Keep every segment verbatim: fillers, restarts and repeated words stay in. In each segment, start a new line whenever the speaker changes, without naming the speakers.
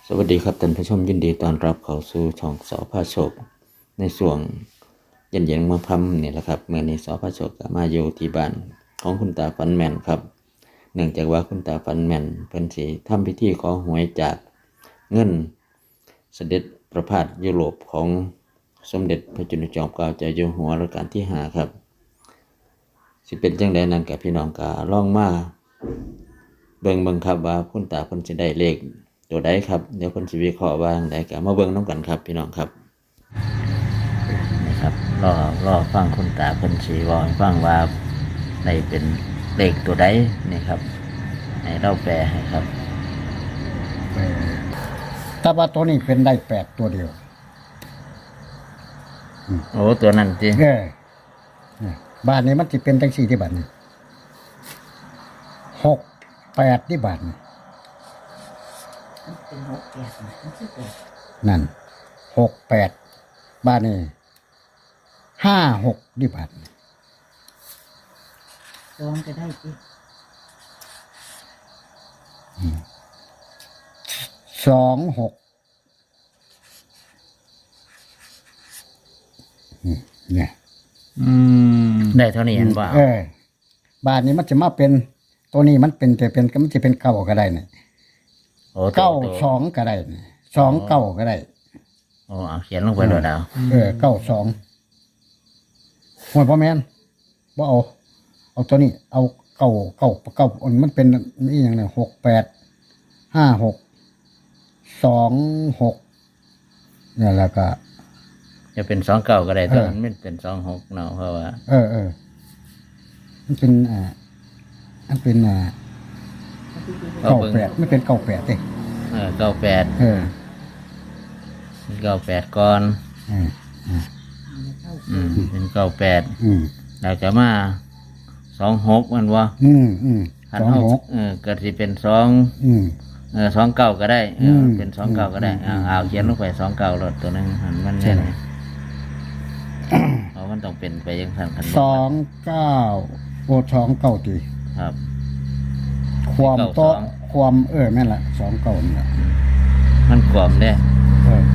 สวัสดีครับท่านผู้ชมยินดีต้อนรับเข้าสู่ช่องสอพาโชคในช่วงเย็นๆมาพัมนี่แหละครับเมื่อนี้สอพาโชคก็มาอยู่ที่บ้านของคุณตาฟันแม่นครับเนื่องจากว่าคุณตาฟันแม่นเพิ่นสิทำพิธีขอหวยจากเงินเสด็จประพาสยุโรปของสมเด็จพระจุลจอมเกล้าเจ้าอยู่หัวรัชกาลที่ห้าครับสิเป็นจังไดนั้นกับพี่น้องก็ลองมาเบิ่งเบิ่งครับว่าคุณตาเพิ่นสิได้เลขตัวใดครับเดี๋ยวเพิ่นสิวิเคราะห์ว่าจังไดก็มาเบิ่งนำกันครับพี่น้องครับนี่ครับรอรอฟังคุณตาเพิ่นสิเว้าให้ฟังว่าได้เป็นเลขตัวใดนี่ครับให้เราแปลให้ครับ
แต่ว่าตัวนี้เป็นได้แปดตัวเดียว
โอ้ตัวนั้นจริง
เออเนี่ยบ้านนี้มันจะเป็นจังสี่ที่บ้านนี้หกแปดที่บ้านนี้
เป็นหกแปดนะมันคือแปด
นั่นหกแปดบ้านนี้ห้าหกที่บ้านนี้
สองก็ได้สิ
สองหกอืมเนี่ย
อืมได้เท่านี้เห็นบ่
เออบ้านนี้มันจะมาเป็นตัวนี้มันเป็นแต่เป็นมันจะเป็นเก้าก็ได้เนี่ย
โอ้ตัว
เก้า
ตัว
สองก็ได้เนี่ยสองเก้าก็ได้
โอ้เอาเขียนลงไปเลยดาว
เออเก้าสองหัวพ่อแม่นบ่เอา เอาตัวนี้ เอาเก้าเก้าเก้าอันมันเป็นนี่อย่างเนี่ยหกแปดห้าหกสองหกเนี่ยแล้วก็
จะเป็นสองเก้าก็ได้ตัว
เออ
นั้นมันเป็นสองหกเนาะเพราะว่า
เออเออมันเป็นอ่ามันเป็นอ่า
เขา
เก้า
เบิ่ง
แปดไม่เป็นเก้าแปดเด้
เออเก้าแปด
เออ
เก้าแปดก่อน
เออ
อืมเป็นเก้าแปด
อืม
แล้วจะมาสองหกมันวะ
อืมอืม
หัน
สอง
เอา
หก
เออก็สิเป็นสอง
อืม
เออสองเก้าก็ได้เออ
ม
เป็นสองเก้าก็ได้
อื
เอา
ม
เอาเขียนลงไปสองเก้ารถตัวนึงหันมัน
ใช่
เนี่ยเพราะมันต้องเป็นไปอยังสั่นคัน
สองเก้าโอสองเก้าตี
ครับ
ความ
เก้า
โต๊ะ
สอง
ความเออแม่นละสองเก้านี่แหละ
มันกลมเนี่ย
เออ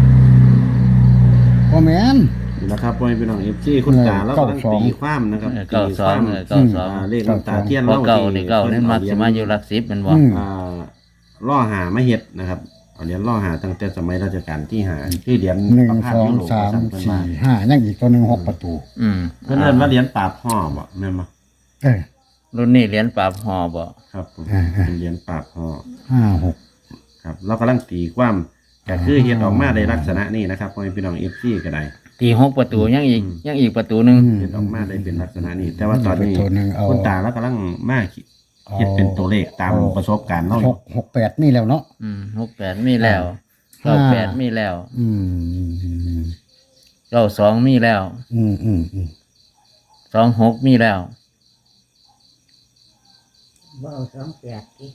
พ่อแม่น
นะครับพ่อแม่พี่น้องเอฟซีคุณตาแล้วก็ต้อง
เก้าสอง
ตีความนะครับ
เออเก้าสองเออเก้าสอง
อ่าเลขน้ำตาเทียน
เพราะเก้านี่เก้า
พิ่
นี่มัก
เอ
จะมาอยู่หลักสิบเป็นบ่
อืม
อ่าล่อหามาเฮ็ดนะครับเอาเหรียญล่อหาตั้งแต่สมัยรัชกาลที่ห้าคือเหรียญ
หนึ่ง
ประพาส
สอง
ยุโรป
สาม
สั่งเพิ่น
สี่
ว่า
ห้ายังอีกตัวหนึ่งหกประตู
อืม
เพิ่นเอิ้นว่าเหรียญปราบห่อบ่แม่นบ่
เออ
รุ่นนี้เหรียญปราบหอบ่
ครับผม
อ่าๆ
เป็นเหรียญปราบห่อ
ห้าหก
ครับเรากำลังตีความก็คือเฮ็ดออกมาในลักษณะนี้นะครับพ่อแม่พี่น้องเอฟซีก็ได้
ตีหกประตูยังอีกยังอีกประตูหนึ่ง
เฮ็ดออกมาได้เป็นลักษณะนี้ แต่ว่าตอนนี้
เป็นตัวหนึ่งเอา
คุณตาแล้วกำลังมาเฮ็ดเป็นตัวเลขตามประสบการณ์เราอ
ห
ยู่
กหกแปดนี่แล้วเนาะ
อืมหกแปดมีแล้ว
ห้า
เก้าแปดมีแล้ว
อืม
เก้าสองมีแล้ว
อืมอืมอืม
สองหกมีแล้ว
บ่เอาสองแปดสิ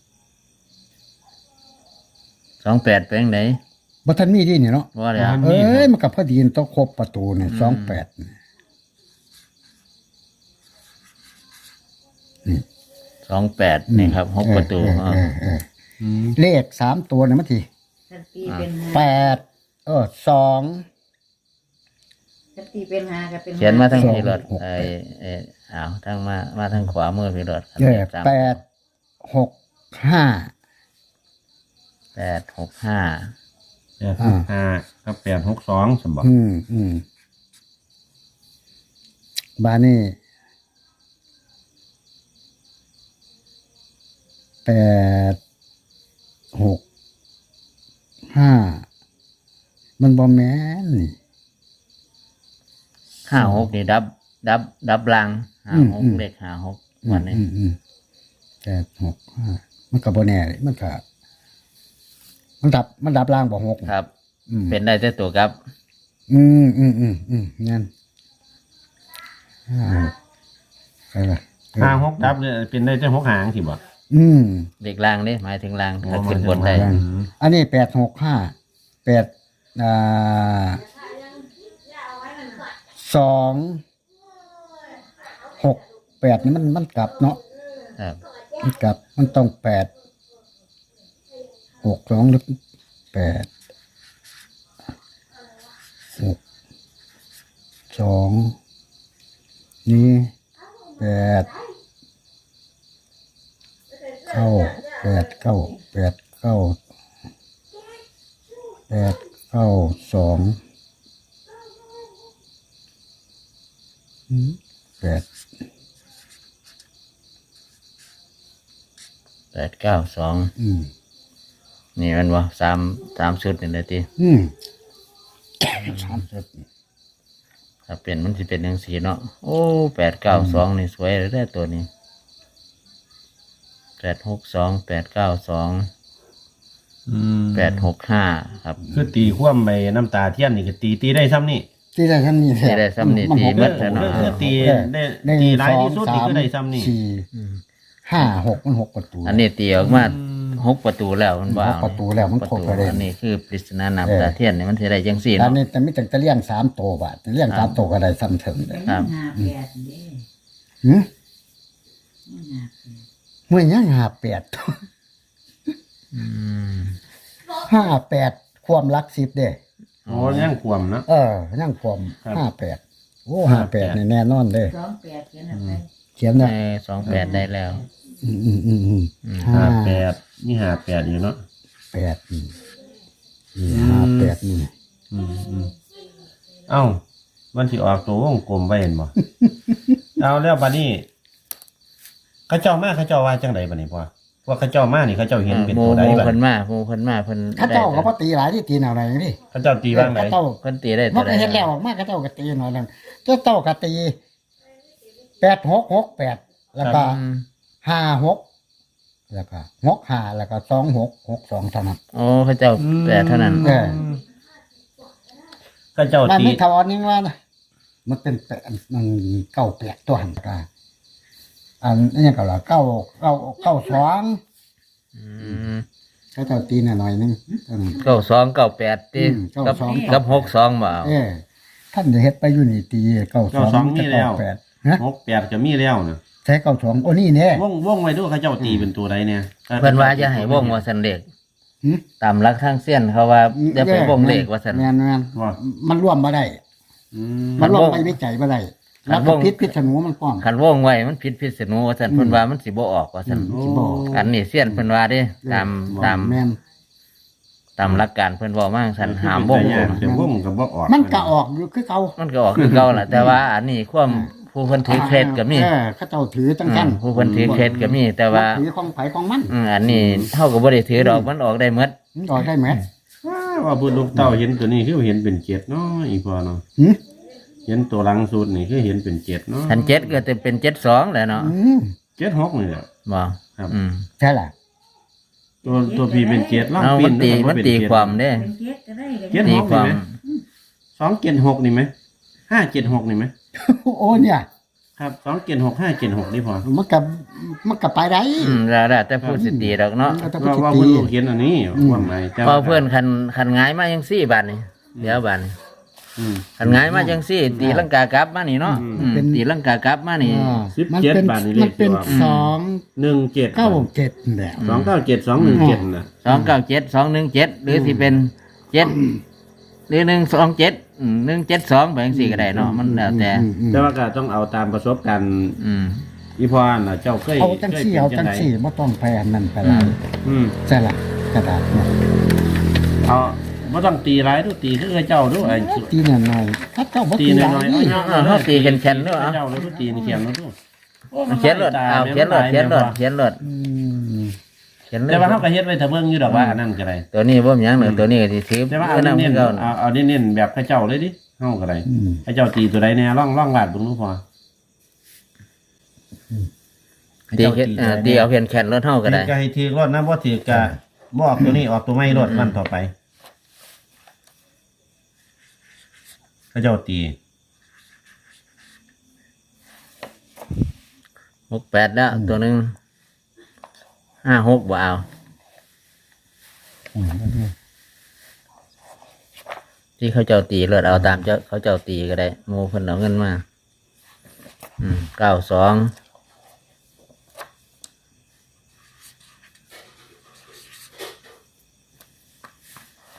สองแปดเป็นไหน
บัทันมีที่นี่เนาะ
ว่าแล้ว
เอ้ยมันกับพอดีนต้องครบประตูเนี่ยสองแปด
สองแปดนี่ครับหกประตู
เออเออเออเออเลขสามตัวเนี่ยมันที
ถ้าตีเป็นห้า
แปดเออสอง
ถ้าตีเป็นห้าก็เป็นห้
เขียนมาทั้ง
สอง
พี่รถ
หก
ไอ้ไอ้อ้าวทั้งมามาทั้งขวามือพี่รถ
เออ
สาม
แปดหกห้า
แปดหกห้า
แปดหกห้ากับแปดหกสองสมบัติ
อืมอืมบานี่แปดหกห้ามันบอแมนนี่
ห้าหกนี่ดับ ดับ ดับลังห้า
อืม
หก
อืม
เลขห้าหกวันนี้
อืมอืมแปดหกห้ามันกับบแน่เลยมันกับมันดับ มันดับล่างบ่หก
ครับ
อืม
เป็นได้แต่ตัวครับ
อืมอืมอืมอืมงั้นห้าหกใช่ละ
ห้าหกดับเนี่ยเป็นได้เจ้าหกหางสิบ่
อืม
เลขล่างนี่หมายถึงล่าง
โอ้
ถ้าขึ้นบน
หมายถึง
ได้
ล่าง
อันนี้แปดหกห้าแปดอ่าสองหกแปดนี่มันมันกลับเนาะ
ครับ
มันกลับมันต้องแปดหกสองหรือแปดหกสองนี่แปดเก้าแปดเก้าแปดเก้าแปดเก้าสองอืมแปด
แปดเก้าสอง
อืม
นี่มันว่าสามสามชุดนี่เลยที
อืมสามสิบ
ถ้าเป็นมันจะเป็นยังสีเนาะโอ้แปดเก้าสองนี่สวยเลยได้อตัวนี้แปดหกสองแปดเก้าสองแปดหกห้าครับ
คือตีคว่ำไปน้ำตาเทียนนี่ก็ตีตีได้ซ้ำนี่
ที่ได้ซ้ำนี่
ที่ได้ซ้ำนี่ตี
หก
เบิด
เอ
แล้ว
อ
เนาะ
คือตีได้
หนึ่ง
ตีหลาย
สอง
ที่สุด
สา
นี่
ม
ก็ได้ซ้ำนี่
สี่ห้าหกมันหกประตู
อันนี้ตีออกมาหกประตูแล้วมันว่า
หกประตูแล้วมัน
ประ
ครบ
ตู
ประเด็น
อันนี้คือปริศนาน้ำตาเทียนนี่มันจะได้จังสี่
อัน
เนาะ
นี้แต่ไม่แต่จะเลี้ยงสามตัวบาทเลี้ยงสามตัวก็ได้ซ้ำถึงเลย
ครับ
ห้าแปดเด้
หืม
ห้าแปด
เมื่อยังหาแปด
อืม
ห้าแปดความรักสิบเด้
โอ้ยังคว่ำนะ
เออยังความ
ครับ
ห้าแปดโอ้ห้าแปดแน่นอนเลย
สองแปดเขียนอะไร
เขียน
ใน
นะ
สองแปดได้แล้ว
อืมอืมอืมอืม
อืม
ห้า
ห้าแปดนี่ห้าแปดอยู่เนาะ
แปดนี่นี่ห้าแปดนี่
อืมอืมเอ้ามันสิออกตัววงกลมไปเห็นบ่ เอาแล้วบัดนี้เขาเจ้ามาเขาเจ้าว่าจังไดบัดนี้พ่อว่าเขาเจ้ามานี่เขาเจ้าเห็นเป็น
โม
ตัว
โม
ใดบัด
เพิ่นมาโมเพิ่นมาเพิ่น
ข้า
ได้
เจ้าก็พอตีหลายที่ตีหน่อยอะไรนี่
เขาเจ้าตีว่างไหน
ข้าเจ้า
เพิ่นตีได้
มั
ตัวน ใด
ก็เห็นแล้วออกมาข้าเจ้าก็ตีหน่อยนึงเจ้าเต้าก็ตีแปดหกหกแปดแล้วก็
อืม
ห้าหกแล้วก็หกห้าแล้วก็สองหกหกสองเท่านั้น
โอ้พระเจ้าแปดเท่านั้น
เออ
เขาเจ้า
มัน
ตี
ไม่ทอนนี่ว่านะมันเป็นแปดมันเก้าแปดตัวหันกาอันนี้ก็ละเก้าเก้าเก้าสอง
อืม
เขาเจ้าตีหน่อยๆนึงเท่านั้น
เก้าสองเก้าแปดตี
อืมเก้า
กับ
สอง
กับหกสองบ่เอา
เออท่านจะเฮ็ดไปอยู่นี่ตีเก้าสองจะเก้าแปดฮะ
หกแปดก็มีแล้วนะ
ใช้เก้าสองโอ้นี่เนี่ยว
งวงไว้ด้วยเขาเจ้าตีเป็นตัวใดเนี่ย
เพิ่นว่าจะให้วงว่าสันเลข
หึ
ตามหลักทางเส้นเขาว่าจะไปวงเลขว่าสัน
แม่นแม่น
ว่า
มันร่วมมาได้
อืม
มันร่วม
มันวง
ไปวิจัยมาได้
มั
แล้ว
นว
ก็
ง
พิษพิษสนูมันป้อง
คันวงไว้มันผิดพิษณุว่าสันเพิ่นว่ามันสิบ่ออกว่าสัน
อืมสิบ่ออก
อันนี้เส้นเพิ่นว่าเด้ตามตาม
แม่น
ตามหลักการเพิ่นเว้ามาสันหามวง
เป็นเป็นวงกับบ่ออก
มันก็ออกอยู่คือเก่า
มันก็ออกคือเก่าล่ะแต่ว่าอันนี้ความผู้เพิ่นถือเคล็ดก็มี
เออเขาเจ้าถือตั้ง
อื
กัน
มผู้เพิ่นถือเคล็ดก็มี แต่ว่า
ถือของไผของมัน
อืมอันนี้เฮาก็บ่ได้ถือดอกมันออกได้หมด
มันออกได้ไหม
ว้าว่าบุญลูกเต้าเห็นตัวนี้คือเห็นเป็นเจ็ดเนาะอีพอเนาะ
หืม
เห็นตัวหลังสุดนี่คือเห็นเป็นเจ็ดเนาะ
คันเจ็ดก็จะเป็นเจ็ดสองแหละเนาะ
อืม
เจ็ดหกนี่แหละ
บ่
ครับ
อืม
ใช่ล่ะ
ตัวตัวพี่เป็นเจ็ดล่อง
เอา
ปี
มัน นตี
แล้วก็
มัน
เป็น
ตี
เจ็ด
ความเด้
เป็นเจ็ดก็ได้ก็
เจ็ด
ได้
ตีความ
สองเจ็ดหกนี่ไหมห้าเจ็ดหกนี่ไหม
โอ้เนี่ย
ครับสองเจ็ดหกห้าเจ็ดหกนี่พอ
มันกับมันกับไปได้
อืมแล้วแต่แต่พูดสิตีดอกเนาะ
มันก็
ว่า
ต้อง
ว่า
ตี
บุญลูกเห็นอันนี้ว่าไงจ้
พอเพื่อนคันคันหงายมาจังซี่บาดนี่เดี๋ยวบาดนี่
อืม
คันหงายมาจังซี่ ตีลังกากลับมานี่เนาะ
อืม
อืมตีลังกากลับมานี่
อ่า
สิบ
มัน
เจ็ด
เป็น
บาทนี่เลข
มันเป็น
ที่ว่า
สอง
หนึ่งเจ็ด
เก้าเจ็ดแหละ
สองเก้าเจ็ดสองหนึ่งเจ็ดนะ
สองเก้าเจ็ดสองหนึ่งเจ็ดหรือสิเป็นเจ็ดหรือหนึ่งสองเจ็ดหนึ่งเจ็ดสองแบบสี่ก็ได้เนาะมันแล้วแต่
อืมอืม
แต่ว่าก็ต้องเอาตามประสบการณ์
อืม
อีพอน่ะเจ้าเคย
เอาจัง
เคย
สี่
เป็น
เอา
จั
จั
ง
ง
ได
สี่ไม่ต้องไปอันนั้นไป
อื
ละ
ม
อืม
ใช่ละกระดาษเนี่ย
เอาไม่ต้องตีร้ายดูตีคือเจ้าดูไอ้
ตีหน่อยๆถ้าเจ้าบ่
ตี
ตี
ห
ห
น่
ลา
อย
ย
ๆ
นี่
เอา
เอาเอาตีกันแข็งด้วยเหรอ
เจ้าแล้วดูตีนเขียนแล้วดู
เขียนรถเอาเขียนรถเขียนรถเขียนรถ
อืม
เขียนเล
แต่
ย
ว่าเขาก็เฮ็ดไว้ถ้าเบิ่งอยู่ดอกว่าอันนั้นก็ได้
ตัวนี้บ่มีหยังหนึ่งตัวนี้ก็สิถือ
แต่ว่าเอา
เพื่อนำ
เน้น
เก่า
ๆเอาเอาเน้นๆแบบพระเจ้าเลยดิเฮาก็ได้
อืม
พระเจ้าตีตัวใดแน่ร่องร่องลาดเบิ่งดูพอ
ตีเฮ็ดอ่าตีเอาเขียนแขนรถเท่าก็ได้
ก็ให้ถือรถนะบ่ถือก็บ่ออกตัวนี้ออกตัวไม่รถวันต่อไปพระเจ้าตี
หกแปดแล้วตัวหนึ่งห้าหกบ่เอา
อืม
ที่เขาเจ้าตีเลือดเอาตามเจ้าเขาเจ้าตีก็ได้โมเพิ่นเอาเงินมาอืมเก้าสอง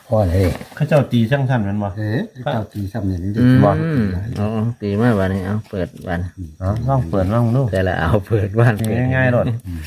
พอเลย
เขาเจ้าตีช่างท่านแมันบ่
เอ๊ะเจ้าตีซ้ำเนี่ยมันจะ
อืม
บอก
เอาเอาตีมาวันนี้เอาเปิดวัน
เอ๋อลองเปิดลองดู
แต่ละเอาเปิดวันเปิด
ง่ายๆโลด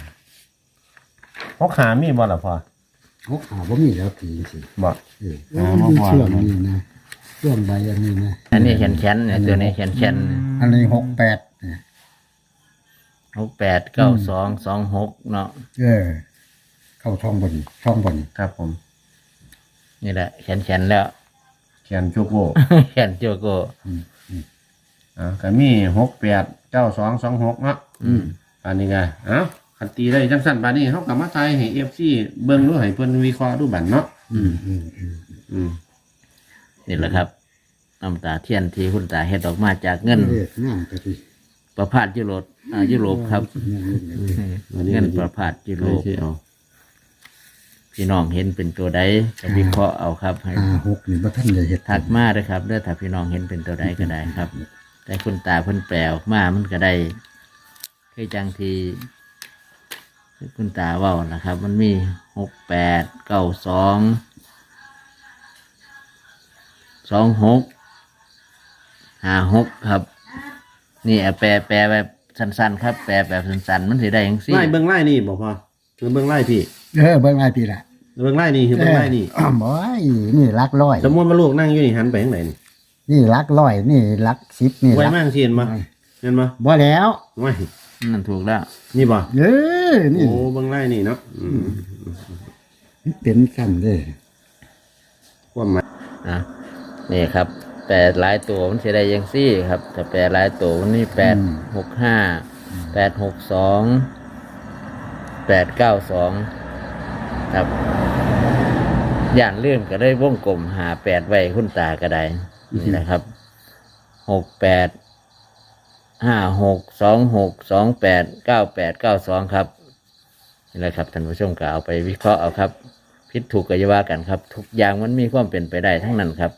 พกขามีบ่ล่ะพ่อ
โอ้หาบ่มีแล้วตีสิ
บ่
เออ
อ่า
มัน
บ่พอ
เชื่อมนี่นะเชื่อมใบอันนี้นะ
อันนี้แขนแขนเนี่ยตัวนี้แขนแขน
อันนี้หกแปดเนี่ย
หกแปดเก้าสองสองหกเนาะ
เออ เข้าช่องบนช่องบน
ครับผม
นี่แหละแขนแขนแล้ว
แขนจุกโบ
แขนโจโก้
อ่าก็มีหกแปดเก้าสองสองหกเนาะ
อืม
อันนี้ไงเอ้าคันตีได้จังสั้นปานนี้เฮาก็มาทายให้ เอฟ ซี เบิ่งดูให้เพิ่นวิเคราะห์ดูบัดเนาะ
อืมอืมอืม
อืม
นี่แหละครับน้ำตาเทียนที่คุณตาเฮ็ดออกมาจากเงิน
เรียกงามกะทิ
ประพาสยุโรปอ่ายุโรปครับ
อันนี้
เงินประพาสยุโร
โล
ป
ที่เอา
พี่น้องเห็นเป็นตัวใดก็วิเคราะห์เอาครับให้
ห้าหกนี่บ่ทันได้เฮ็ด
ถักมาเลยครับเด้อถ้าพี่น้องเห็นเป็นตัวใดก็ได้ครับ แต่คุณตาเพิ่นแปลออกมามันก็ได้คือจังทีคุณตาเว้านะครับ มันมีหกแปดเก้าสองสองหกห้าหกครับ นี่เอาแปลแปลแบบสั้นๆครับ แปลแบบสั้นๆมันสิได้ยังสิ
ไล่เบิ่งไล่นี่บ่พอคือเบิ่งไล่พี่
เออเบิ่งหลายปีละ
เบิ่งไล่นี่คือเบิ่งไล่นี่
เออบ่ยนี่หลักร้อย
สมมุติว่าลูกนั่งอยู่นี่หันไปทางไหนนี่
นี่หลักร้อยนี่หลักสิบนี่ห
ไว้
ลัก
มากสิเห็นบ่เห็นบ่
บ่แล้ว
ไว้
นั่นถูกแล้ว
นี่บ่
เออนี่
โอ้เบิ่งไล่นี่เนาะอืม
มันเป็นกันเด้
ความหมาย
อ่ะนี่ครับแปดหลายตัวมันจะได้ยังซี่ครับแต่แปดหลายตัวมันนี่แปดหกห้าแปดหกสองแปดเก้าสองครับย่านเลื่อมก็ได้วงกลมหาแปดไว้คุณตาก็ได้นี่นะครับหกแปดห้าหกสองหกสองแปดเก้าแปดเก้าสองครับนี่แหละครับท่านผู้ชมก็เอาไปวิเคราะห์เอาครับผิดถูกก็อย่าว่ากันครับ ทุกอย่างมันมีความเป็นไปได้ทั้งนั้นครับ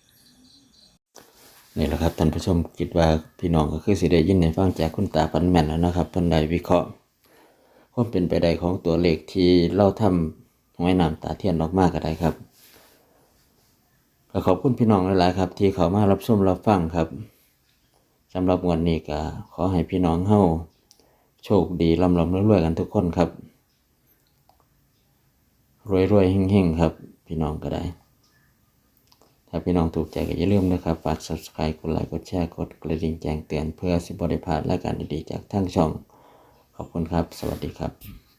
นี่แหละครับท่านผู้ชมคิดว่าพี่น้องก็คือสิได้ยินในฟังจากคุณตาปันแม่นแล้วนะครับเพิ่นได้วิเคราะห์ความเป็นไปได้ของตัวเลขที่เราทำหวยน้ำตาเทียนออกมาก็ได้ครับก็ขอบคุณพี่น้องหลายๆครับ ที่เขามารับชมรับฟังครับสำหรับงวดนี้ก็ขอให้พี่น้องเฮาโชคดีร่ำรำรวยๆกันทุกคนครับรวยๆเฮงๆครับพี่น้องก็ได้ถ้าพี่น้องถูกใจก็อย่าลืมนะครับฝาก ซับสไครบ์ กดไลค์กดแชร์กดกระดิ่งแจ้งเตือนเพื่อสิบ่ได้พลาดรายการดีๆจากทางช่องขอบคุณครับสวัสดีครับ